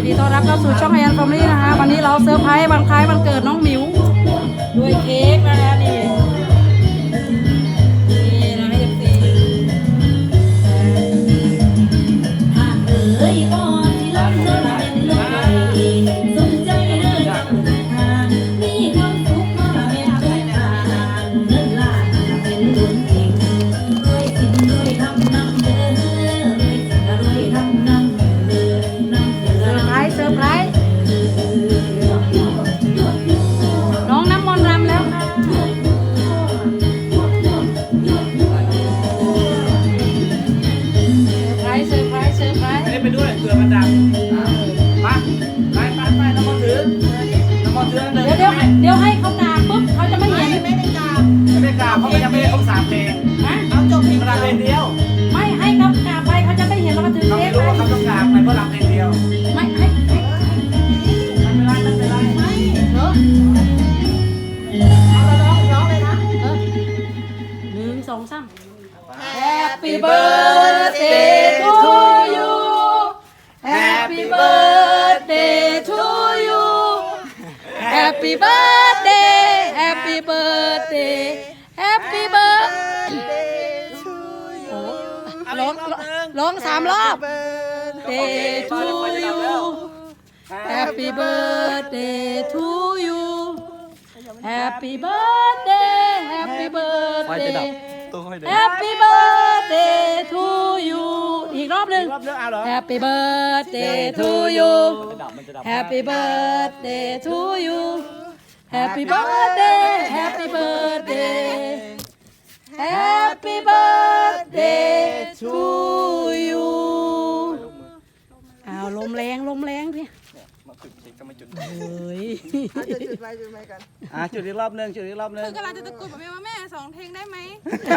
ดีต้อนรับเข้าสู่ช่องแอนฟอร์มลี่นะคะวันนี้เราเซอร์ไพรส์วันคล้ายวันเกิดน้องหมิวด้วยเค้กนะคะนี่นะเอฟซีไปด้วยเผื่อมันดังมาไปน้ำมันถือเลยเดี๋ยวให้เขาตากปุ๊บเขาจะไม่เห็นไม่ได้กราบเพราะมันยังไม่ได้ครบ3 เพลงเอาจบเพลงเดียวไม่ให้เขากราบไปเขาจะไม่เห็นเราถือเราเค้ไม่กรู้ว่าเขาต้องกราบไปเพราะรำเพลงเดียวไม่ให้ไม่เป็นไรไม่เหรอร้องเลยนะ1 2 3 Happy birthday to you Happy birthday to you Happy birthday Happy birthday Happy birthday to you ร้อง3 รอบ Day to you Happy birthday to you Happy birthday Happy birthday Happy birthday to you อีกรอบหนึ่ง Happy birthday to you Happy birthday to you Happy birthday Happy birthday Happy birthday to you เอาลมแรงพี่มาจุดเค้กก็ไม่จุดเฮ้ยจุดไว้กันจุดอีกรอบนึงคือกำลังจะตะโกนบอกแม่2 เพลงได้ไหม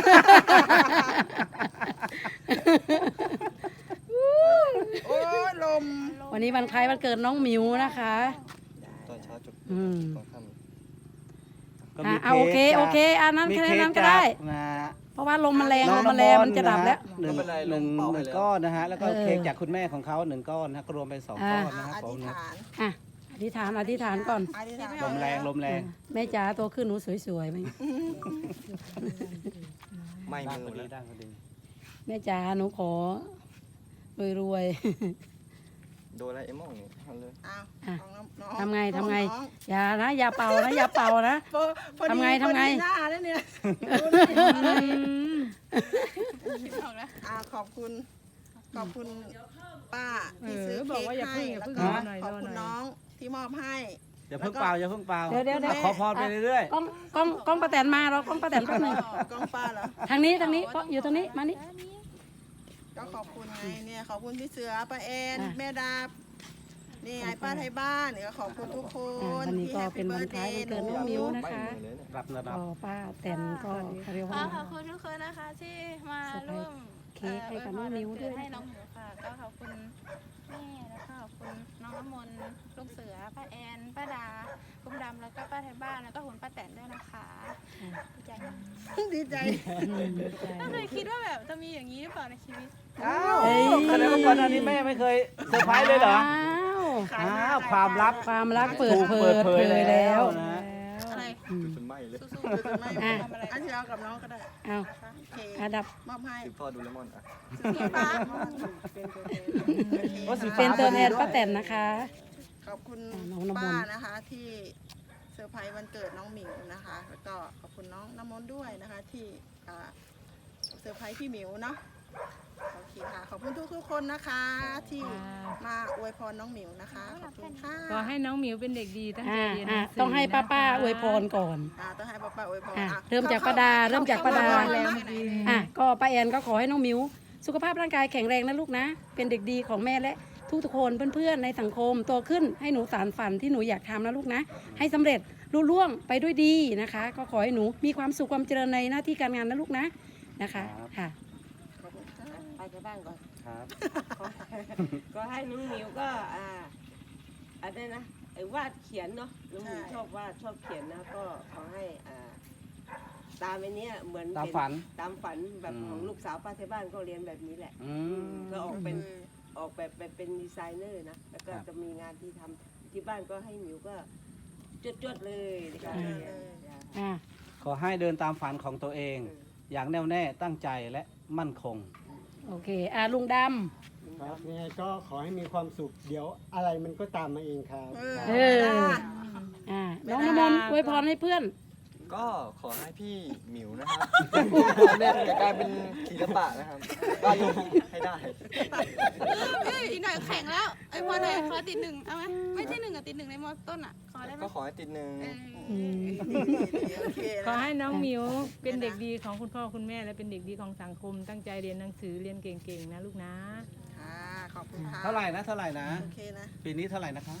โอ้ลมวันนี้วันคล้ายวันเกิดน้องหมิวนะคะตอนเช้าจุดตอนค่ำโอเคอันนั้นแค่นั้นก็ได้เพราะว่าลมมันแรงมันจะดับแล้วหนึ่งก้อนนะฮะแล้วก็เค้กจากคุณแม่ของเขา1 ก้อนนะก็รวมเป็น2 ก้อนนะครับผมอธิษฐานก่อนลมแรงแม่จ๋าตัวขึ้นหนูสวยๆไหมไม่มือแล้วแม่จ๋าหนูขอรวยโดนอะไรเอ็มองนี่ทำเลยทำไงอย่าเป่านะทำไงหน้าแล้วเนี่ยขอบคุณป้าที่ซื้อเค้กให้แล้วก็ขอบคุณน้องที่มอบให้อย่าเพิ่งเป่าเดี๋ยวขอพรไปเรื่อยๆกล้องป้าแตนมาเรากล้องป้าแตนแป๊บนึงกล้องป้าเหรอทางนี้อยู่ตรงนี้มานี่ก็ขอบคุณไงเนี่ยขอบคุณพี่เสือป้าแอนแม่ดาบนี่ไอ้ป้าไทยบ้านก็ขอบคุณทุกคนวันนี้ก็เป็นวันคล้ายวันเกิดน้องมิวนะคะป้าแตนก็เรียกว่าขอบคุณทุกคนนะคะที่มาร่วมเค้กให้กับน้องมิวด้วยให้น้องมิวค่ะก็ขอบคุณแม่แล้วก็ขอบคุณน้องน้ำมนต์ลูกเสือป้าแอนป้าดาคุณดำแล้วก็ป้าไทยบ้านแล้วก็คุณป้าแตนด้วยนะคะดีใจไม่เคยคิดว่าแบบจะมีอย่างนี้หรือเปล่าในชีวิตแสดงว่าก่อนหน้านี้แม่ไม่เคยเซอร์ไพรส์เลยเหรอความลับเปิดเผยแล้วนะอะไรจนไหม้เลยอันที่เรากับน้องก็ได้ดับมอบให้พ่อดูเลมอนเป็นตัวแทนป้าแตนนะคะขอบคุณป้านะคะที่เซอร์ไพรส์วันเกิดน้องหมิวนะคะแล้วก็ขอบคุณน้องน้ำมนต์ด้วยนะคะที่เซอร์ไพรส์พี่หมิวเนาะโอเคค่ะขอบคุณทุกคนนะคะที่มาอวยพรน้องหมิวนะคะขอบคุณค่ะขอให้น้องหมิวเป็นเด็กดีตั้งใจเรียนต้องให้ป้าอวยพรก่อนต้องให้ป้าอวยพรเริ่มจากป้าดาก็ป้าแอนก็ขอให้น้องหมิวสุขภาพร่างกายแข็งแรงนะลูกนะเป็นเด็กดีของแม่และทุกคนเพื่อนๆในสังคมโตขึ้นให้หนูสานฝันที่หนูอยากทำนะลูกนะให้สำเร็จรุ่ล่วงไปด้วยดีนะคะก็ขอให้หนูมีความสุขความเจริญในหน้าที่การงานนะลูกนะคะค่ะไปที่บ้านก่อนก็ให้น้องหมิวก็อะไรนะวาดเขียนเนาะน้องหมิวชอบวาดชอบเขียนนะก็ขอให้ตามไอ้นี้เหมือนตามฝันแบบของลูกสาวป้าที่บ้านก็เรียนแบบนี้แหละก็อออกแบบไปเป็นดีไซเนอร์นะแล้วก็จะมีงานที่ทำที่บ้านก็ให้หมิวก็จดๆเลยนะคะอ่าขอให้เดินตามฝันของตัวเอง อย่างแน่วแน่ตั้งใจและมั่นคงโอเคลุงดครับยังไงก็ขอให้มีความสุข เดี๋ยวอะไรมันก็ตามมาเองครับำน้องน้ำมนต์อวยพรให้เพื่อนก็ขอให้พี่หมิวนะครับเล่นกลายเป็นศิลปะนะครับวาดรูปให้ได้อีกหน่อยแข่งแล้วไอ้พอไหนขอติดหนึ่งเอาไหมไม่ใช่หนึ่งอะติดหนึ่งในมอต้นอะขอได้ไหมก็ขอให้ติดหนึ่งโอเคขอให้น้องหมิวเป็นเด็กดีของคุณพ่อคุณแม่และเป็นเด็กดีของสังคม ตั้งใจเรียนหนังสือเรียนเก่งๆนะลูกนะค่ะขอบคุณค่ะเท่าไหร่นะเท่าไหร่นะโอเคนะปีนี้เท่าไหร่นะคะ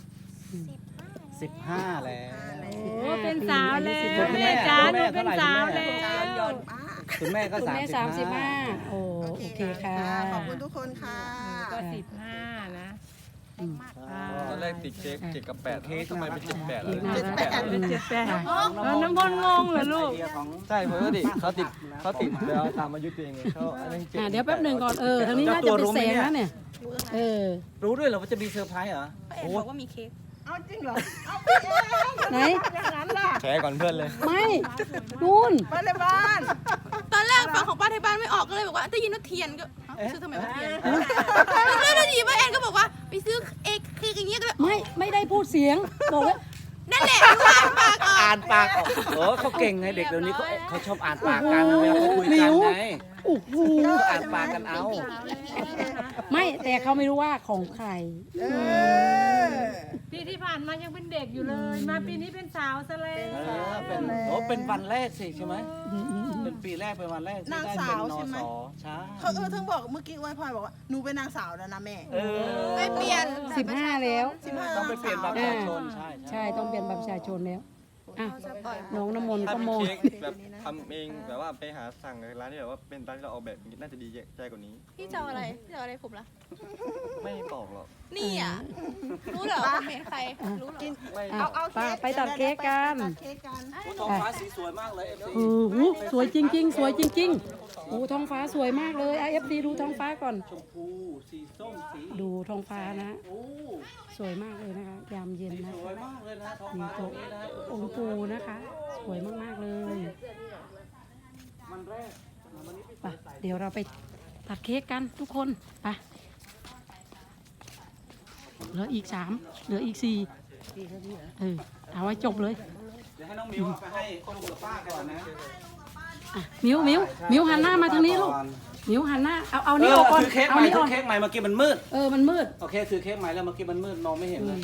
15แล้วโอ้เป็นสาวแล้วคุณแม่แม่จ้าคุณหแม่นูเป็นเท่าไหร่สาวคุณแม่แล้วยอดมากคุณแม่ก็คุณแม่ 35 โอ้โอเคค่ะขอบคุณทุกคนค่ะก็15นะตอนแรกติดเค้ก7 กับ 8 เค้กทำไมเป็น7 8 เค้กน่ารักเป็น78น้ำพลงงเหรอลูกใช่ผมก็ดิเขาติดแล้วตามอายุตัวเองไงเขาอันนั้น7 เดี๋ยวแป๊บหนึ่งก่อนทางนี้น่าจะเป็นแสงแล้วเนี่ยรู้ด้วยเหรอว่าจะมีเซอร์ไพรส์เหรอป้าแอนบอกว่ามีเค้กเอาจริงเหรอไหนแชร์ก่อนเพื่อนเลยไม่นู่นไปเลยบ้านตอนแรกฟังของป้าที่บ้านไม่ออกก็เลยบอกว่าได้ยินว่าเทียนก็ซื้อทำไมว่าเทียนแล้วได้ยินป้าแอนก็บอกว่าไปซื้อเอกคืออย่างเงี้ยก็เลยไม่ได้พูดเสียงบอกว่านั่นแหละผ่านปากออกอ่านปากออกโอ้เขาเก่งไงเด็กเดี๋ยวนี้เขาชอบอ่านปากกันเวลาเขาคุยกันไงโอ้โหอ่านปากกันเอาไม่แต่เขาไม่รู้ว่าของใครปีที่ผ่านมายังเป็นเด็กอยู่เลย มาปีนี้เป็นสาวซะแล้วเป็นวันแรกสิใช่ไหมเป็นปีแรกเป็นวันแรกที่ได้เป็นนสใช่เขาถึงบอกเมื่อกี้อวยพรบอกว่าหนูเป็นนางสาวแล้วนะแม่ไม่เปลี่ยน 15 แล้วต้องไปเปลี่ยนบัตรประชาชนใช่ใช่ต้องเปลี่ยนบัตรประชาชนแล้วอ่ะจะปล่อยน้องน้ำมนต์ถ้าก็เป็นโมเค้กแบบทำเองแบบว่าไปหาสั่งร้านที่แบบว่าเป็นร้านที่เราออกแบบน่าจะดีใจกว่านี้พี่จะเอาอะไรพี่จะเอาอะไรผมล่ะไม่บอกหรอกนี่อ่ะรู้เหรอผมเห็นใครรู้เหรอไม่เอาไปตัดเค้กกันตัดเค้กกันท้องฟ้าสีสวยมากเลยเอฟซีโอ้โหสวยจริง ๆ สวยจริงๆโอ้ท้องฟ้าสวยมากเลยเอฟซีดูท้องฟ้าก่อนชมพูสีส้มสีดูท้องฟ้านะโอ้สวยมากเลยนะคะ ยามเย็นนะสวยคะมากเลยนะท้องฟ้าตรงนี้นะองค์ปูนะคะ สวยมากๆเลยมันแรกไปเดี๋ยวเราไปตัดเค้กกันทุกคนไปเหลืออีก3เหลืออีก4เอาไว้จบเลยเดี๋ยวให้น้องมิวเอาไปให้ลุงกับป้าก่อนนะอ่ะมิวหันหน้ามาทางนี้ลูกมิวหันหน้าเอานี่ออกก่อนถือเค้กเอาใหม่นี่ถือออกเค้กใหม่เมื่อกี้มันมืดมันมืดโอเคถือเค้กใหม่แล้วเมื่อกี้มันมืดมองไม่เห็นเลย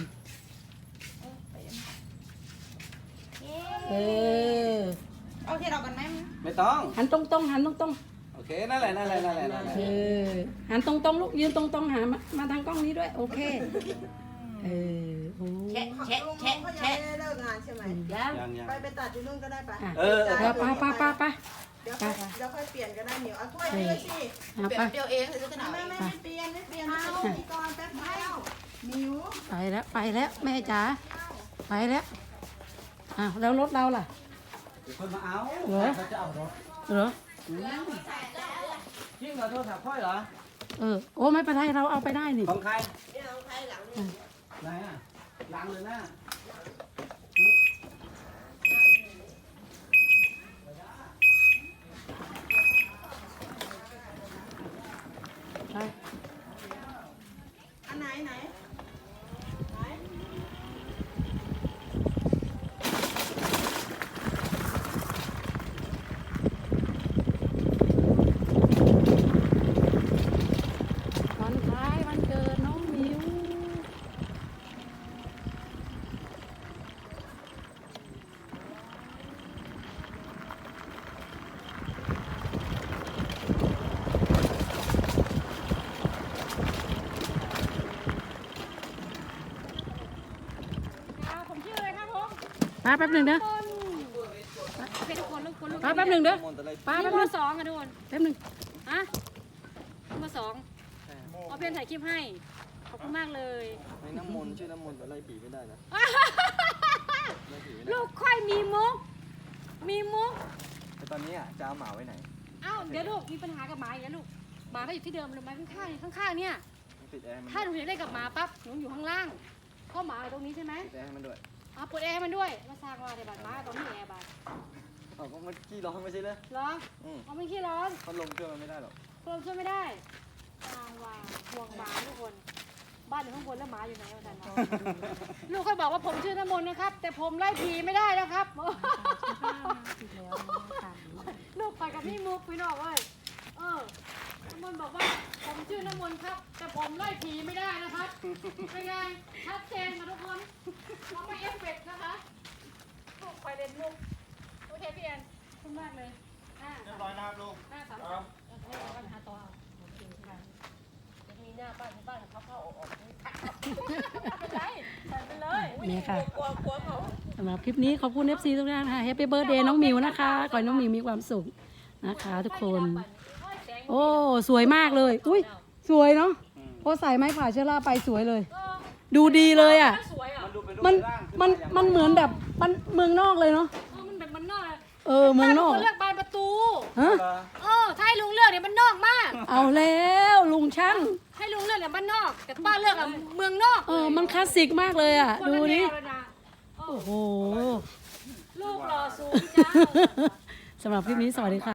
เอาเทียนออกกันไหมไม่ต้องหันตรงๆหันตรงโอเคนั่นแหละนั่นแหละนั่นแหละนั่นแหละๆหันตรงๆลูกยืนตรงๆหามาทางกล้องนี้ด้วยโอเคโอ้แชะแชะแชะแชะเลิกงานใช่ไหมยังยังไปตัดที่นู่นก็ได้ปะเออไปเดี๋ยวค่อยเปลี่ยนก็ได้เหนียวเอาถ้วยนี้สิไปเดียวเองหรือจะหนาวไม่เปลี่ยนไม่เอาพี่กรณ์แป๊บเดียวมิวไปแล้วแม่จ๋าไปแล้วอ้าวแล้วรถเราล่ะเดี๋ยวคนมาเอาเหรอเขาจะเอารถเหรอยิ่งเหรอโทรศัพท์ค่อยเหรอโอ้ไม่เป็นไรเราเอาไปได้นี่ของใครไหนอ่ะหลังหรือหน้าไปอันไหนวันคล้ายวันเกิดน้องมิวผมชื่ออะไรครับผมป้าแป๊บหนึ่งเด้อเป็นทุกคนลูกคนลูกป้าแป๊บหนึ่งเด้อป้านี่แป๊บเบหอนึ่งร์2ค่ะทุกคนแป๊บหนึ่งฮะเบอร์2เอาเพื่อนถ่ายคลิปให้ ขอบคุณมากเลยในน้ำมนต์ชื่อน้ำมนต์แต่ไล่ผีไม่ได้นะไล่ผีไม่ได้ลูกค่อยมีมุก มีมุกแต่ตอนนี้อ่ะจะเอาหมาไว้ไหนเอ้าเดี๋ยวลูกมีปัญหากับหมาอีกแล้วลูกหมาก็อยู่ที่เดิมเลยไหมข้างๆเนี่ยปิดแอร์ให้มันถ้าหนูอยากเล่นกับหมาปั๊บหนูอยู่ข้างล่างก็หมาอยู่ตรงนี้ใช่ไหมปิดแอร์ให้มันด้วยเอาเปิดแอร์ให้มันด้วยมาสร้างว่าในบ้านหมาตอนนี้แอร์บ้านเอาก็มันขี้ร้อนไม่ใช่เลยเหรออืมเอาไม่ขี้ร้อนพัดลมเครื่องมันไม่ได้หรอกลมช่วยไม่ได้สร้างว่าห่วงหมาทุกคน บ้านอยู่ข้างบนแล้วหมาอยู่ไหนวันนั้นเนาะลูกเคยบอกว่าผมชื่อน้ำมนต์นะครับ แต่ผมไล่ผีไม่ได้นะครับ ลูกไปกับพี่มุกพี่น้องเว้ยน้ำมนต์บอกว่าผมชื่อน้ำมนต์ครับ แต่ผมไล่ผีไม่ได้นะครับเป็นไงชัดเจนค่ะทุกคนเราไม่เอฟเฟกต์นะคะลูกไปเล่นมุกโอเคพี่แอนขอบคุณมากเลยเรียบร้อยนะครับลูกปัญหาต่อโอเคค่ะมีหน้าบ้านที่บ้านเขาเข้าออกไม่เป็นไรใส่ไปเลยนี่ค่ะกลัวเขาสำหรับคลิปนี้ขอบคุณ FC ทุกท่านค่ะ Happy Birthday น้องหมิวนะคะขอให้น้องหมิวมีความสุขนะคะทุกคน โอ้สวยมากเลย อุ้ยสวยเนาะพอใส่ไม้ผ่าเชื้อราไปสวยเลย ดูดีเลยอ่ะ มันเหมือนแบบมันเมืองนอกเลยเนาะมันแบบมันนอกเมืองนอกเลือกบานประตูฮะถ้าให้ลุงเลือกเนี่ยมันนอกมากเอาแล้วลุงช่างให้ลุงเลือกเนี่ยมันนอก แต่ป้าเลือกอะเมืองนอกมันคลาสสิกมากเลยอ่ะคนดูละแนดิวเลยนะโอ้โหลูกหล่อสูงจ้าสำหรับคลิปนี้สวัสดีค่ะ